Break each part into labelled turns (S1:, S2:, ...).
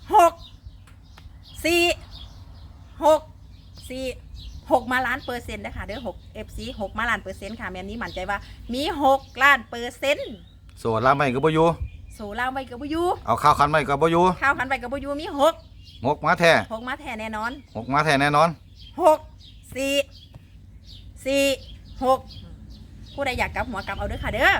S1: 6 มาล้านเปอร์เซ็นต์นะคะเด้อ6 FC 6 มาล้านเปอร์เซ็นต์ค่ะแม่นี้มั่นใจว่ามี6 ล้านเปอร์เซ็นต์
S2: โซล่าไม่ก็บ่อยู่
S1: โซล่าไว้กับบ่อยู่
S2: เอาข้าวคันไม่ก็บ่อยู่
S1: ข้าวคันไว้กับบ่อยู่มี
S2: 6มาแท้
S1: 6มาแท้แน่นอน
S2: 6มาแท้แน่นอน
S1: 6 4 4 6ผู้ใดอยากกลับหัวกลับเอาเด้อค่ะเด้อ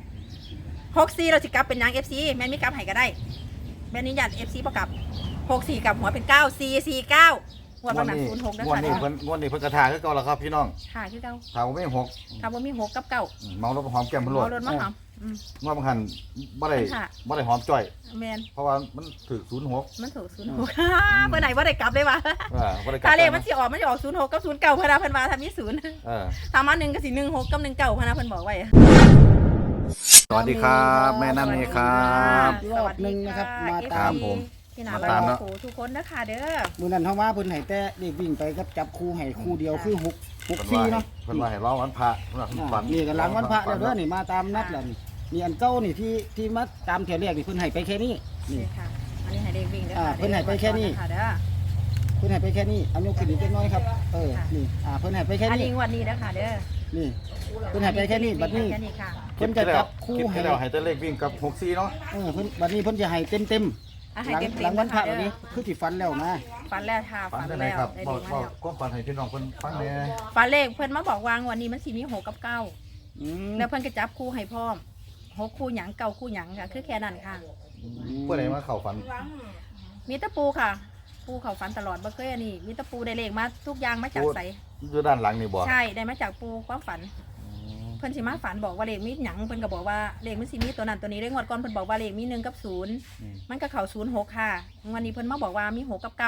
S1: 64เราสิกลับเป็นนาง FC แม่มีกลับให้ก็ได้แม่นี้อยาก FC บ่กลับ64กลับหัวเป็น9449หัวบางหนัก06นะคะ
S2: งวดนี้เพิ่นกระทาคือเก่าแล้วครับพี่น้อง
S1: ค่ะคือเก่า
S2: ถ้าบ่มี6
S1: ถ้าบ่มี6กับ9
S2: เมารถหอมแก้มเพิ่นโลด
S1: เมารถมาหอม
S2: งวดบางหันบ่ได้หอมจ้อย
S1: แม่น
S2: เพราะว่ามันถูก06
S1: มันถูก06เมื่อไหร่บ่ได้กลับเลยว่ะ
S2: บ่ได้กลับ
S1: ถ้าเลขมันสิออก06กับ09เพิ่นว่าเพิ่นว่าถ้ามี0ถ้ามา1ก็สิ16กับ19เพิ่นว่าเพิ่นบอกไว้
S2: สวัสดีครับแม่น้ำนี่ครับ
S3: รอบนึงนะครับมาตาม
S2: ผม
S1: พี่น้าบ้านโอ้ทุกคนนะคะเด้อ
S3: มื้อนั้นเฮามาเพิ่นให้แต่เด็กวิ่งไปกับจับคู่ให้คู่เดียวคือ6 4เนาะ
S2: เพิ่นว่าให้ร้องวันพระเพิ่นว่าฝัน
S3: นี่ก็หลังวันพระแล้วเด้อนี่มาตามนัดแล้วนี่อันเก่านี่ที่มาตามเที่ยวแรกนี่เพิ่นให้ไปแค่นี้
S1: นี่ค่ะอันนี้ให้เด็กวิ่งเด้อ
S3: เพิ่นให้ไปแค่นี้เพิ่นให้ไปแค่นี้เอายกขึ้นอีกเล็กน้อยครับนี่เพิ่นให้ไปแค่นี้
S1: อันนี้งวดนี้นะคะเด้อ
S3: นี่เพิ่นให้ไปแค่นี้บัดนี้เพิ่นจะจับคู่ให้
S2: แล้วให้แต่เลขวิ่งกับ64เนาะ
S3: เพิ่นบัดนี้เพิ่นจะให้เต็มหลังวันพระแบบนี้คือที่ฟันแล้วนะ
S1: ฟันแล้วค่ะฟันแล้ว
S2: ครับบอกความฝันให้พี่น้องเพิ่นฟังแน่
S1: ฟันเลขเพิ่นมาบอกวางวันนี้มันสิมี6กับ9แล้วเพิ่นก็จับคู่ให้พร้อม6คู่หยัง9คู่หยังค่ะคือแค่นั้นค่ะ
S2: ผู้ใดมาเข้าฝัน
S1: มีตะปูค่ะปูเข้าฝันตลอดบ่เคยอันนี้มีตะปูได้เลขมาทุกอย่างมาจากไส
S2: อยู่ด้านหลังนี่บ่
S1: ใช่ได้มาจากปูความฝันเพิ่นสิมาฝันบอกว่าเลขมีหยังเพิ่นก็บอกว่าเลขมันสิมีตัวนั้นตัวนี้ได้งวดก่อนเพิ่นบอกว่าเลขมี1กับ0มันก็เข้า06ค่ะวันนี้เพิ่นมาบอกว่ามี6กับ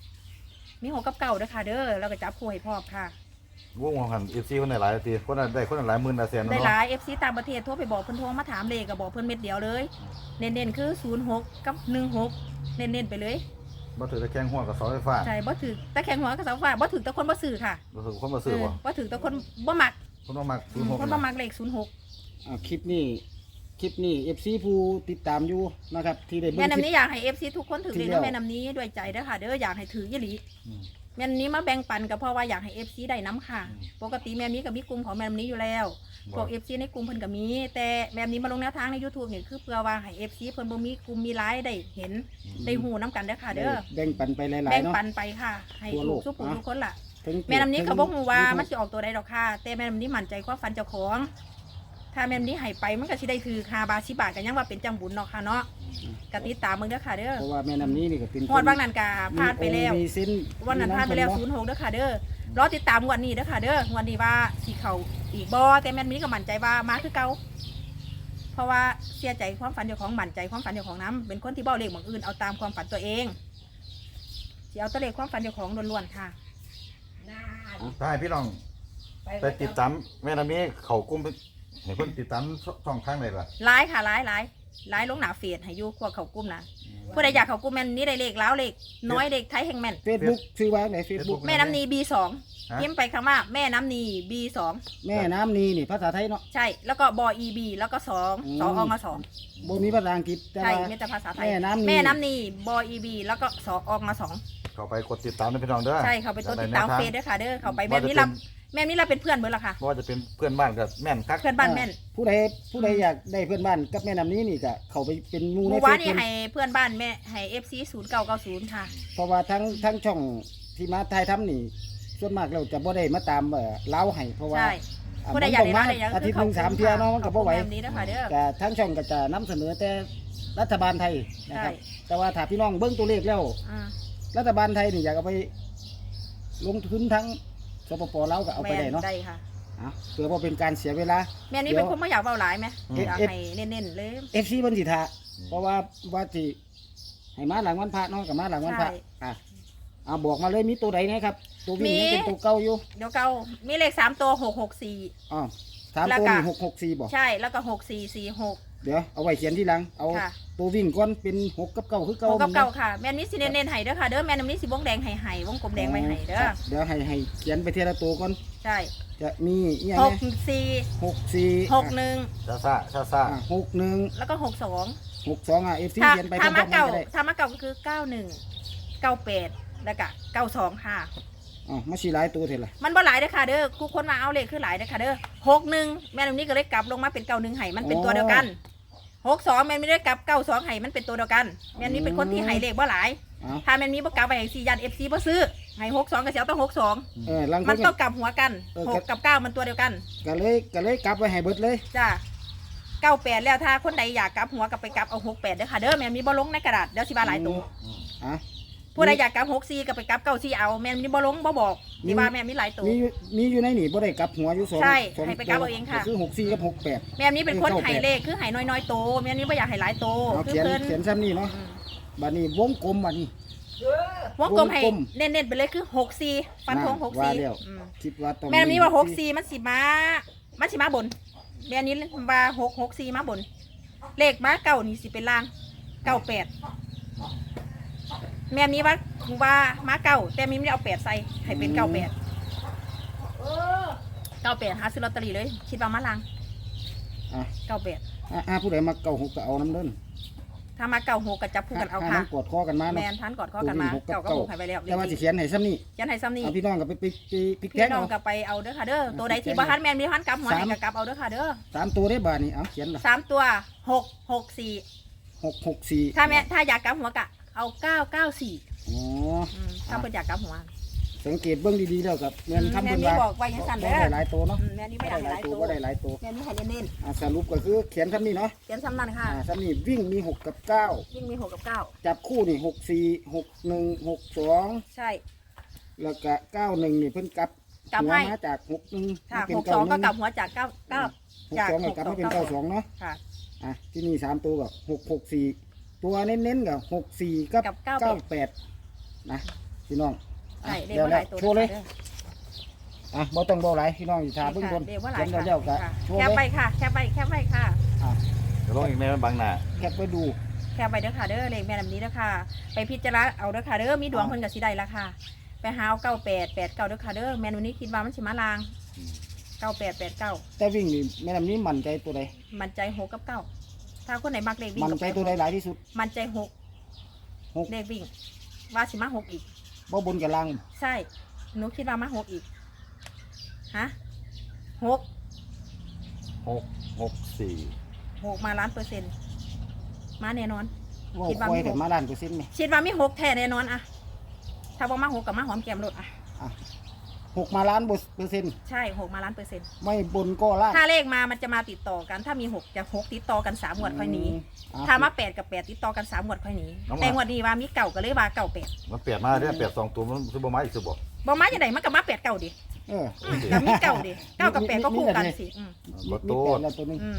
S1: 9มี6กับ9เด้อค่ะเด้อแล้วก็จับคู่ให้พร้อมค่ะ
S2: วงหัน FC คนได้หลายทีคนได้คนหลายหมื่นหลายแสน
S1: ได้หลาย FC ต่างประเทศโทรไปบอกเพิ่นโทรมาถามเลขก็บอกเพิ่นเม็ดเดียวเลยเน้นๆคือ06กับ16เน้นๆไปเลย
S2: บ่ถือตะแคงหัวกับเสาไฟฟ้า
S1: ใช่บ่ถือตะแคงหัวกับเสาไฟฟ้าบ่ถือตะคนบ่ซื้อค่ะ
S2: บ่ถือคนบ่ซื้อ
S1: บ่ถือตะคนบ่มัก
S2: คนบ่มัก06
S1: คนบ่มักเลข06
S3: คลิปนี้ FC ผู้ติดตามอยู่นะครับที่ได้
S1: แม่น้ำนี้อยากให้ FC ทุกคนถือเลขแม่น้ำนี้ด้วยใจเด้อค่ะเด้ออยากให้ถือยี่หลีแม่น้ำนี้มาแบ่งปันก็เพราะว่าอยากให้ FC ได้น้ำค่ะปกติแม่น้ำนี้ก็มีกลุ่มของแม่น้ำนี้อยู่แล้วพวก FC ในกลุ่มเพิ่นก็มีแต่แม่น้ำนี้มาลงแนวทางใน YouTube นี่คือเพื่อว่าให้ FC เพิ่นบ่มีกลุ่มมีไลฟ์ได้เห็นได้ฮู้น้ำกันเด้อค่ะเด้อ
S3: แบ่งปันไปหลายๆเนาะ
S1: แบ่งปันไปค่ะให้ทุกคนล่ะแม่น้ำนี้เขาบอกว่ามันจะออกตัวใดดอกค่ะแต่แม่น้ำนี้มั่นใจว่าฟันเจ้าของถ้าแม่น้ำนี้ให้ไปมันก็สิได้ถือคาบา10 บาทกันยังว่าเป็นจังบุญเนาะค่ะเนาะกติดตามมึงเด้อค่ะเด้อ
S3: เพราะว่าแม่น้ำนี้นี่ก็เป็น
S1: งวดบางนั้นก็พลาดไปแล้ววันนั้นพลาดไปแล้ว06เด้อค่ะเด้อรอติดตามงวดนี้เด้อค่ะเด้องวดนี้ว่าสิเขาอีกบ่แต่แม่น้ำนี้ก็มั่นใจว่ามาคือเก่าเพราะว่าเสียใจความฝันเจ้าของมั่นใจความฝันเจ้าของน้ำเป็นคนที่เบ้าเลขบางอื่นเอาตามความฝันตัวเองสิเอาตัวเลขความฝันเจ้าของล้วนๆค่ะ
S2: ได้พี่น้องไปติดตามแม่น้ำนี้เขากลุ่มให้เพิ่นติดตามช่องทางไหนล่ะ
S1: ไลฟ์ค่ะไลฟ์ลงหน้าเฟซให้อยู่พวกเขากลุ่มนะผู้ใดอยากเขากลุ่มแม่นี้ได้เลขแล้วเลขน้อยเลขไทยแห่งแม่น
S3: Facebook ชื่อว่าไหน Facebook
S1: แม่น้ำนี B2 พิมพ์ไปคำว่าแม่น้ำนี B2
S3: แม่น้ำนีนี่ภาษาไทยเนาะ
S1: ใช่แล้วก็บอ EB แล้วก็2ออง2
S3: บ่มีภาษาอังกฤษ
S1: ใช่มีแต่ภาษาไทยแม่น้ำนีบอ EB แล้วก็2ออง2
S2: เข้าไปกดติดตามพี่น้องเด้อ
S1: ใช่เขาไปกดติดตามเฟซด้วยค่ะเด้อเขาไปแม่นี้เราเป็นเพื่อนเบิดละค่ะ
S2: เพราะว่าจะเป็นเพื่อนบ้านกับแม่นคัก
S1: เพื่อนบ้านแม่น
S3: ผู้ใดอยากได้เพื่อนบ้านกับแม่น้ำนี้นี่ก็เขาไปเป็นมูในเฟซ
S1: ว่านี่ให้เพื่อนบ้านแม่ให้ FC 0990ค่ะ
S3: เพราะว่าทั้งช่องที่มาถ่ายทำนี่ส่วนมากเราจะบ่ได้มาตามเล้าให้เพราะว่า
S1: ผู้ใดอยากได้มา
S3: อาทิตย์นึง3เที่ยเนาะมันก็บ่ไหวแต่ทั้งช่องก็จะนำเสนอแต่รัฐบาลไทยนะครับแต่ว่าถ้าพี่น้องเบิ่งตัวเลขแล้วรัฐบาลไทยนี่อยากเอาไปลงทุนทั้งสปป.ลาวก็เอาไปได้เนาะ
S1: ได้ค่ะ
S3: เพื่อว่าเป็นการเสียเวลา
S1: แม่นี่เป็นคนไม่อยากเบาหลายไหมอยากให้เน้นๆเลย
S3: FC เพิ่นสิท่าเพราะว่าสิให้มาหลังวันพระเนาะกับมาหลังวันพระบอกมาเลยมีตัวใดนะครับตัววิ่งยังเป็นตัวเก่าอยู่
S1: เดี๋ยวเก่ามีเลข3ตัว664
S3: 3ตัวนี่664บ่
S1: ใช่แล้วก็6446
S3: เดี๋ยวเอาไว้เขียนที่หลังเอาตัววิ่งก่อนเป็น6กับ9คือเก่า
S1: 6กับ9ค่ะแม่นี้สิเน้นๆให้เด้อค่ะเด้อแม่น้ำนี้สิวงแดงให้วงกลมแดงไว้ให้เด้อ
S3: เดี๋ยวให้เขียนไปทีละตัวก่อน
S1: ใช่
S3: จะมีอีหยัง
S1: 64 61
S2: ซ่า
S3: 61
S1: แล้วก็62
S3: 62อ่ะ FC
S1: ถ้า
S3: เขียนไปพ
S1: ถ้า
S3: ร้อ
S1: มาม
S3: ๆกัน
S1: เก่า
S3: ก็ได้
S1: ถ้ามาเก่าก็คือ91 98แล้วก็92ค่ะ
S3: อ๋อมาสิหลายตัวเท่าล่ะ
S1: มันบ่หลายเด้อค่ะเด้อกูคนมาเอาเลขคือหลายเด้อค่ะเด้อ61แม่นนี้ก็เลยกลับลงมาเป็น91ให้มันเป็นตัวเดียวกัน62แม่นไม่ได้กลับ92ให้มันเป็นตัวเดียวกันแม่นนี้เป็นคนที่ให้เลขบ่หลาย
S3: อ้าว
S1: ถ้าแม่นนี้บ่กลับไปให้4ยัน FC บ่ซื้อให้62ก็สิเอาต้อง62
S3: ลังค
S1: มัน
S3: น
S1: ต้องกลับหัวกัน
S3: เออ
S1: 6กับ9มันตัวเดียวกัน
S3: ก็เลยกลับไว้ให้เบิดเลย
S1: จ้า98แล้วถ้าคนใดอยากกลับหัวก็ไปกลับเอา68เด้อค่ะเด้อแม่นมีบ่ลงในกระดาษเดี๋ยวสิว่าหลายตัว
S3: อ่ะ
S1: ผู้ใดอยากกลับ64ก็ไปกลับ94เอาแม่นมีบ่ลงบ่บอกสิว่าแม่นมีหลายตัว
S3: มีอยู่ในนี่บ่ได้กลับหัวอยู่2
S1: ใช่ให้ไปกลับเอาเองค่ะ
S3: ก็คือ64กับ68
S1: แม่นนี้เป็นคนให้เลขคือให้น้อยๆโตแม่นนี้บ่อยากให้หลายโต
S3: เอา
S1: คือ
S3: เขียน
S1: เพิ่น
S3: ซ้ำนี่เนาะ
S1: อืม
S3: บัดนี้วงกลมบัดนี้
S1: วงกลมให้
S3: วงกลม
S1: เน้นๆไปเลยคือ64ฟันธง
S3: ว่าแล้ว
S1: 64อืม
S3: คิดว่าต้อง
S1: แม่นนี้ว่า64มันสิมาบนแม่นนี้ว่า664มาบน เลขมาเก้านี่สิเป็นล่าง98แม่มีว่ามาเก้าแต่มีไม่ได้เอา8ใส่ให้เป็น98หาซื้อลอตเตอรี่เลยคิดว่ามาล่าง
S3: อ่ะ
S1: 98
S3: ผู้ใดมาเก่าหกก็เอาน้ำเด้น
S1: ถ้ามา96ก็จับคู่กันเอาค่ะ
S3: กดคอกันมา
S1: แม
S3: เนาะ
S1: นทันกอดข้อกันมาเก่าก็ผูกให้ไปแล้ว
S3: แต่ว่าสิเขียนให้ซ้ำนี่
S1: ยันให้ซ้ำนี่
S3: เอาพี่น้องก็ไปพลิกแพ
S1: พี่
S3: ง
S1: น้อง
S3: เอา
S1: ก็ไปเอาเด้อค่ะเด้อตัวใดที่บ้านแมนมีพันกลับหัวให้ก็กลับเอาเด้อค่ะเด้อ
S3: 3ตัวได้บาทนี่เอาเขียนล่ะ
S1: 3ตัว664
S3: 664
S1: ถ้าอยากกลับหัวก็เอา994
S3: อ๋อ
S1: ถ้าเพิ่นอยากกลับหัว
S3: สังเกตเบื้องดีๆแล้วกับแม่นคำ
S1: แม่
S3: เพิ่น
S1: นี่
S3: ว่า
S1: บอกไว้ยังสั่น
S3: บ่
S1: เด้อ
S3: ได้หลายตัวเนาะ
S1: แม่นี่ไม่อยากให้หลายตัว
S3: บ่ได้หลายตัว
S1: แม่นี่ให้เน้น
S3: สรุปก็คือเขียนซ้ำนี่เนาะ
S1: ๆเขียนซ้ำนั่นค่ะ
S3: ซ้ำนี่วิ่งมี6กับ9
S1: ยิ่งมี6กับ9
S3: จับคู่นี่64 61 62
S1: ใช่
S3: แล้วก็91นี่เพิ่นกลับ
S1: กลับ
S3: หัว
S1: ให้
S3: มาจาก61
S1: ค่ะ
S3: เป็น
S1: 62ก็กลับ
S3: 91
S1: หัวจาก9 จาก
S3: 62ก็กลับมาเป็น92เนาะ
S1: ค่ะ
S3: ที่นี่3ตัวก็664ตัวเน้นๆก็64กับ
S1: กับ
S3: 98นะพี่น้อง
S1: ใช่เรียก
S3: เดี๋ยว
S1: ว่าหลายตัว
S3: โชว์เลยบ่ต้องเบาหลายพี่น้องอยู่ทาเบิ่งบน
S1: เรียกว่าหลาย
S3: เขียนเดี๋ยวก็
S1: ค่ะ
S3: โชว์
S1: แคป
S3: เล
S1: ไป
S3: ย
S1: ค่ะแคปไปค่ะ
S2: จะลงอีกแม่บางหน้า
S3: แคปไปดู
S1: แคปไปเด้อค่ะเด้อเลขแม่ลำนี้เด้อค่ะ ไปพิจารณาเอาเด้อค่ะเด้อมีดวงเพิ่นกับสิได้ละค่ะ ไปหาเอา98 89เด้อค่ะเด้อแม่นวันนี้คิดว่ามันสิมาลาง98 89
S3: แต่วิ่งนี่แม่น้ำนี้มั่นใจตัวใด
S1: มันใจ6กับ9ถ้าคนไหนมักเลขวิ่ง
S3: มั่น
S1: ก็
S3: ใจ
S1: ไป
S3: ตัวใดหลายที่สุด
S1: มันใจ
S3: หก
S1: 6เลขวิ่ง ว่าสิมา6อีก
S3: บ่บนกับล่าง
S1: ใช่หนูคิดว่ามา6อีกฮะ6
S2: 664
S1: 6มา1,000%มาแน่นอน
S3: ว่า
S1: คิดว่า
S3: คอย
S1: มี
S3: แต่
S1: หก
S3: มาล้านเปอร์เซ็นต์นี่
S1: คิดว่ามี6แท้แน่นอนอะถ้าบ่มา6กับมาหอมแก้มรถอะ
S3: อ่ะ6มาล้านเปอร์เซ็นต์
S1: ใช่6มา1,000%
S3: ไม่บนก็ล่าง
S1: ถ้าเลขมามันจะมาติดต่อกัน ถ้ามี6จะ6ติดต่อกัน3งวดค่อยหนี
S3: อ่ะ
S1: ถ้ามา8กับ8ติดต่อกัน3งวดค่อยหนีแต่งวดนี้ว่ามีเก่าก็เลยว่าเก่า8
S2: มันเปลี่ยนมาเด้อเปลี่ยน2ตัวมันสิบ่มาอีกสิบ่
S1: บ่มาจังได๋มันก็มา8เก่าดิ
S3: เออ
S1: แต่มีเก่าดิ9กับ8ก็คู่กันสิอืม
S2: บ่
S3: มี
S2: โต
S3: แปดแล้วตัวหนึง
S1: อืม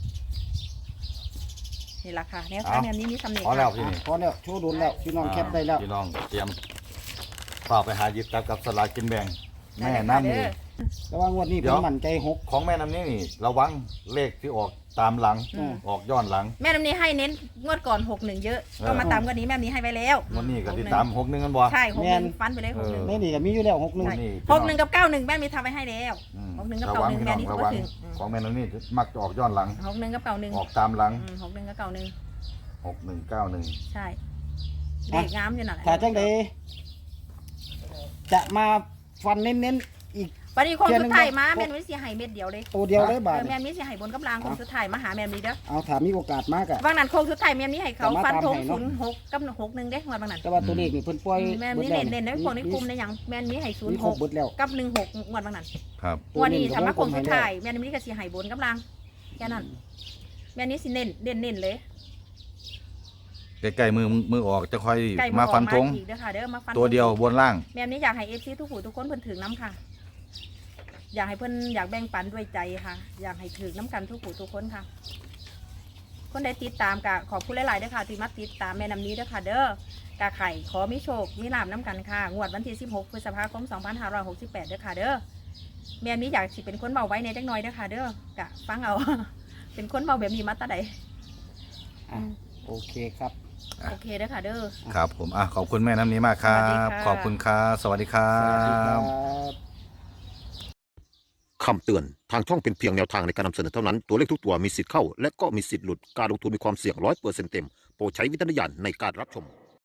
S1: นี่ล่ะค่ะแนวทางแนวนี้มีสำเนียง
S2: พอแล้ว
S1: ค่ะ
S2: พี่นี่
S3: พอแล้วโชว์โดนแล้วพี่น้องแคปได้แล้ว
S2: พี่น้องเตรียมฝากไปหาหยิบจับกับสลากกินแบ่งแม่น้ำนี่
S3: แต่ว่างวดนี้
S2: เดี๋
S3: เพิ่
S2: ยว
S3: นมั่นใจหก
S2: ของแม่น้ำนี้นี่ระวังเลขที่ออกตามหลัง
S1: อืม
S2: ออกย้อนหลัง
S1: แม่น้ำนี้ให้เน้นงวดก่อน61เยอะก็มาตามงวดนี้แม่น้ำนี้ให้ไว้แล้ว
S2: วันนี้ก็ติด
S1: 61
S2: ตาม61กันบ่
S1: ใช่61ฟันไปเลย
S3: ในนี่ก็มีอยู่แล้ว61
S2: วันนี้
S1: 61กับ91แม่มีทำไว้ให้แล้ว
S2: อืม
S1: 61กับ
S2: ระวัง
S1: 91
S2: พี่
S1: แม่
S2: น้อง
S1: นี่
S2: ระ
S1: ถือ
S2: วั
S1: ว่าง ถึง
S2: ของแม่น้ำนี้มักจะออกย้อนหลัง
S1: 61กับ91
S2: ออกตามหลัง
S1: 61กับ91
S2: 6191
S1: ใช่เด็กงามอยู่นั่นแหละ
S3: ถ้าจังไดจะมาฟันเน้นๆอีก
S1: วันนี้คงสุดท้ายมา
S3: เทียนหนึ่ง
S1: แม่นวิเสียหายเม็ดเดียวเลย
S3: ตัวเดียวเลยบาท
S1: แม่นวิเสียหายบนกำลังคงสุดท้ายมาหาแม่นวิเด้อ
S3: เอาถามมีโอกาสมากอะ
S1: บางนั้นคงสุดท้ายแม่นวิให้เขา
S3: แต่มา
S1: ฟันธง
S3: ตามให้เนอะ
S1: 06กับ61เด้งวดบางนั้น
S3: แต่ว่าตัวเลขนี่เพิ่นปล่อย
S1: แม่นวิ
S3: บิดแล้ว
S1: เน้นในพวกในกลุ่มในหยังแม่นวิให้
S3: มีครบเบิดแล้ว
S1: 06กับ16งวดบางนั้น
S2: ครับ
S1: งวันนี้ทำมาคงสุดท้ายแม่นวิก็สิหายบนกำลังแค่นั้นแม่นวิสิเน้นเลย
S2: ใกล้ๆมือออกจะค่อย
S1: ใกล้
S2: มาฟันธง
S1: อีกเด้อค่ะเด้อมาฟัน
S2: ตัวเดียวบนล่าง
S1: แม่นวิอยากให้ FC ทุกผู้ทุกคนเพิ่นถึงน้ำค่ะ อยากให้เพิ่นอยากแบ่งปันด้วยใจค่ะ อยากให้ถึงน้ำกันทุกผู้ทุกคนค่ะ คนใดติดตามกะขอบคุณหลายๆเด้อค่ะที่มาติดตามแม่น้ำนี้เด้อค่ะเด้อกะไข่ขอมีโชคมีลาบน้ำกันค่ะงวดวันที่16พฤษภาคม2568เด้อค่ะเด้อแม่นี้อยากสิเป็นคนเบาไว้ในจักหน่อยเด้อค่ะเด้อกะฟังเอา เป็นคนเบาแบบนี้มาตาใด
S3: อ่ะโอเคครับ
S1: โอเคเด้อค่ะเด้อ
S2: ครับผมขอบคุณแม่น้ำนี้มากครั
S1: สวัสดี
S2: บ
S1: ค่ะ
S2: ขอบคุณครับสวัสดีครั
S3: สวัสดีครับ บ
S4: คำเตือนทางช่องเป็นเพียงแนวทางในการนำเสนอเท่านั้นตัวเลขทุกตัวมีสิทธิ์เข้าและก็มีสิทธิ์หลุดการลงทุนมีความเสี่ยง100%เต็มโปรดใช้วิจารณญาณในการรับชม